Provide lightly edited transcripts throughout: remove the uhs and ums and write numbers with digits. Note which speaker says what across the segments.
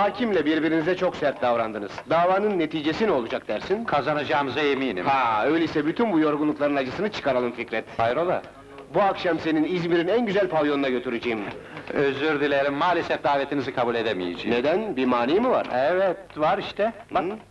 Speaker 1: Hakimle birbirinize çok sert davrandınız. Davanın neticesi ne olacak dersin?
Speaker 2: Kazanacağımıza eminim.
Speaker 1: Ha, öyleyse bütün bu yorgunlukların acısını çıkaralım Fikret.
Speaker 2: Hayrola?
Speaker 1: Bu akşam senin İzmir'in en güzel pavyonuna götüreceğim.
Speaker 2: Özür dilerim, maalesef davetinizi kabul edemeyeceğim.
Speaker 1: Neden? Bir mani mi var?
Speaker 2: Evet, var işte. Bak.
Speaker 1: Hı?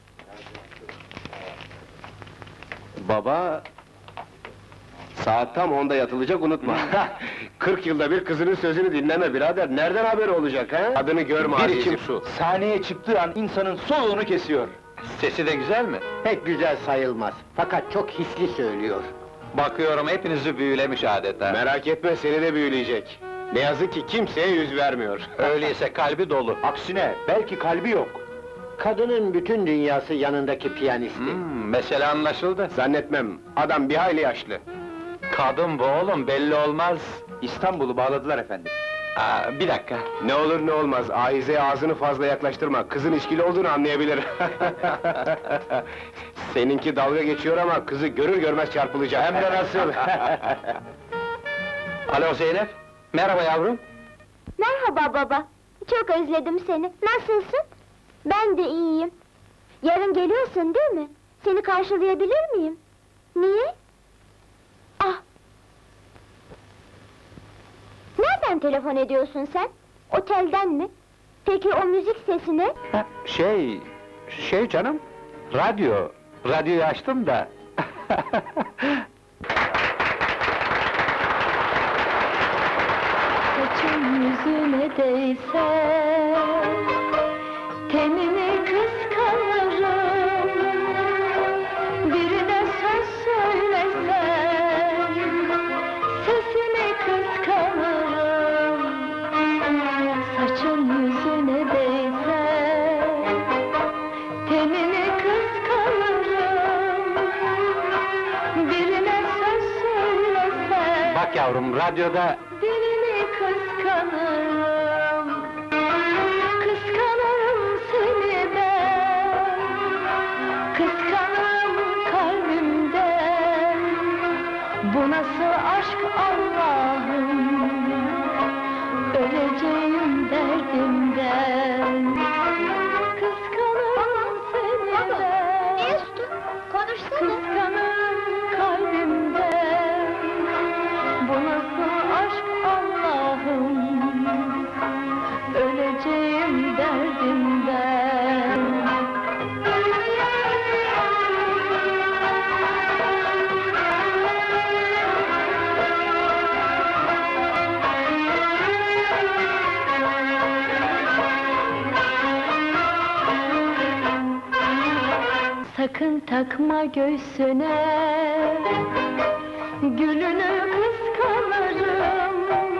Speaker 1: Baba... Saat tam 10'da yatılacak, unutma! 40 yılda bir kızının sözünü dinleme birader, nereden haberi olacak ha? Adını görme
Speaker 2: Bir
Speaker 1: azizim.
Speaker 2: içim su.
Speaker 3: Sahneye çıktığı an insanın soluğunu kesiyor.
Speaker 2: Sesi de güzel mi?
Speaker 3: Pek güzel sayılmaz. Fakat çok hisli söylüyor.
Speaker 2: Bakıyorum hepinizi büyülemiş adeta.
Speaker 1: Merak etme, seni de büyüleyecek. Ne yazık ki kimseye yüz vermiyor.
Speaker 2: Öyleyse kalbi dolu.
Speaker 3: Aksine, belki kalbi yok. Kadının bütün dünyası yanındaki piyanisti.
Speaker 2: Mesele anlaşıldı.
Speaker 1: Zannetmem, adam bir hayli yaşlı.
Speaker 2: Kadın bu oğlum, belli olmaz.
Speaker 3: İstanbul'u bağladılar efendim.
Speaker 2: Bir dakika.
Speaker 1: Ne olur ne olmaz, Ahize'ye ağzını fazla yaklaştırma, kızın içkili olduğunu anlayabilir. Seninki dalga geçiyor ama kızı görür görmez çarpılacak.
Speaker 2: Hem de nasıl? Alo Zeynep, merhaba yavrum.
Speaker 4: Merhaba baba, çok özledim seni. Nasılsın? Ben de iyiyim. Yarın geliyorsun değil mi? Seni karşılayabilir miyim? Niye? Ah! Nereden telefon ediyorsun sen? Otelden mi? Peki o müzik sesi ne?
Speaker 2: Şey canım, radyoyu açtım da.
Speaker 4: Saçın yüzüne değse, tenini kıskanırım. Birine söz söylesen, sesini kıskanırım. Saçın yüzüne değse, tenini kıskanırım. Birine söz söylesen,
Speaker 2: Bak yavrum, radyoda...
Speaker 4: dilini kıskanırım. Kıskanırım seni ben. Kıskanırım kalbimden. Bu nasıl aşk Allah'ım? Öleceğim derdimden. Kıskanırım seni ben. Kıskanırım kalbimden. Bu nasıl aşk Allah'ım? Öleceğim derdimden. Sakın takma göğsüne, gülünü kıskanırım.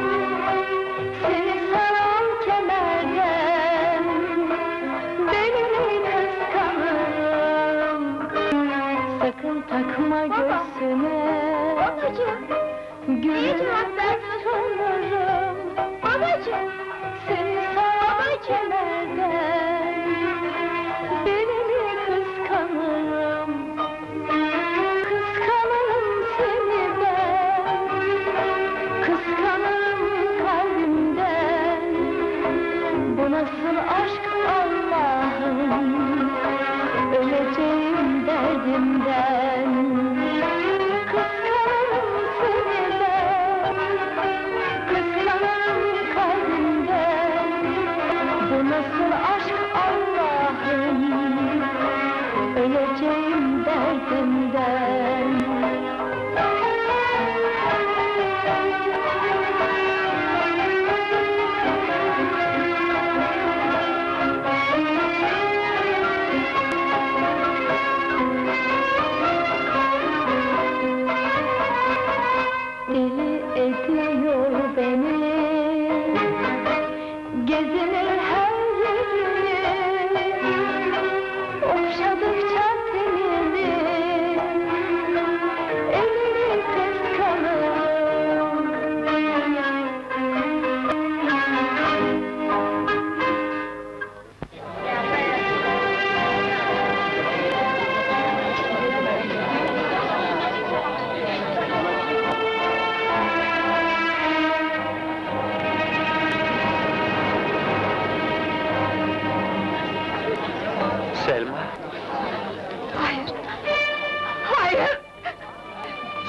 Speaker 4: Seni saran kemerden, belini kıskanırım. Sakın takma göğsüne, gülünü kıskanırım. Seni saran kemerden, belini kıskanırım. Kıskanırım seni ben. Kıskanırım kalbimden. Bu nasıl aşk Allah'ım? Öleceğim derdimden. Kıskanırım seni ben.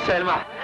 Speaker 2: Selma,